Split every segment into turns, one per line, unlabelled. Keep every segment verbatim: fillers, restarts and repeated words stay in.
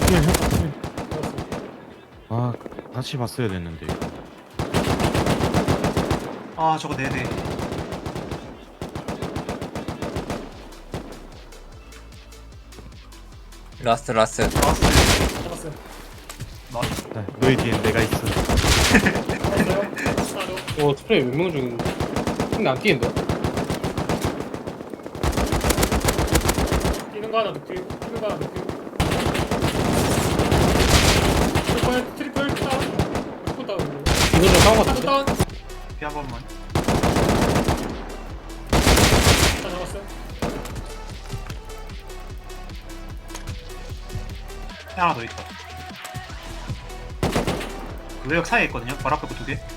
힐, 힐. 아, 다시 봤어야 됐는데.
아 저거 네네.
라스트 라스트.
나왔어요.
잡았어요.
나이스.
자, 너희 뒤엔 내가 있어.
잡았어요. 하나
어 스프레이 몇 명 중인데 근데 안 뛰는데?
뛰는 거 하나 넣기. 뛰는 거 하나 넣기. 트리플 트리플 다운. 트리플 다운.
이거 좀 싸운 것
하나
같은데?
다운.
피 한 번만.
다 잡았어요.
피 하나 더 있다. 그 외벽 사이에 있거든요. 바로 앞에 그 두 개.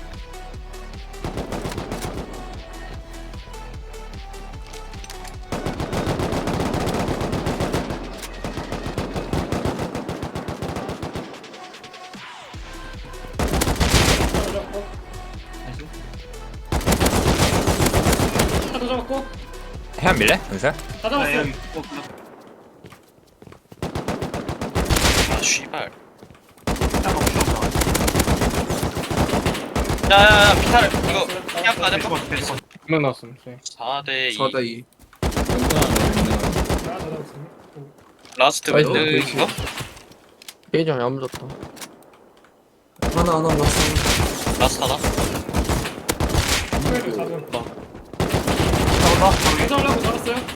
하나 잡고.
나이스.
하나 더 잡았고.
해안 밀래? 은서?
다
아,
잡았어요.
여기. 어, 그
아 씨발.
딱 먹고 나와.
야야야 피탈 이거 피한 거
네,
아니야?
죽었어, 죽었어.
몇명 나왔음 네.
사 대 이.
사 대 이.
하나 더 잡았어요.
라스트
아이고,
웨드인가?
게이지 안 묻었다. 하나 하나 났어.
라스트 하나?
트리플 잡은.
잡았다.
잡으려고 잡았어요.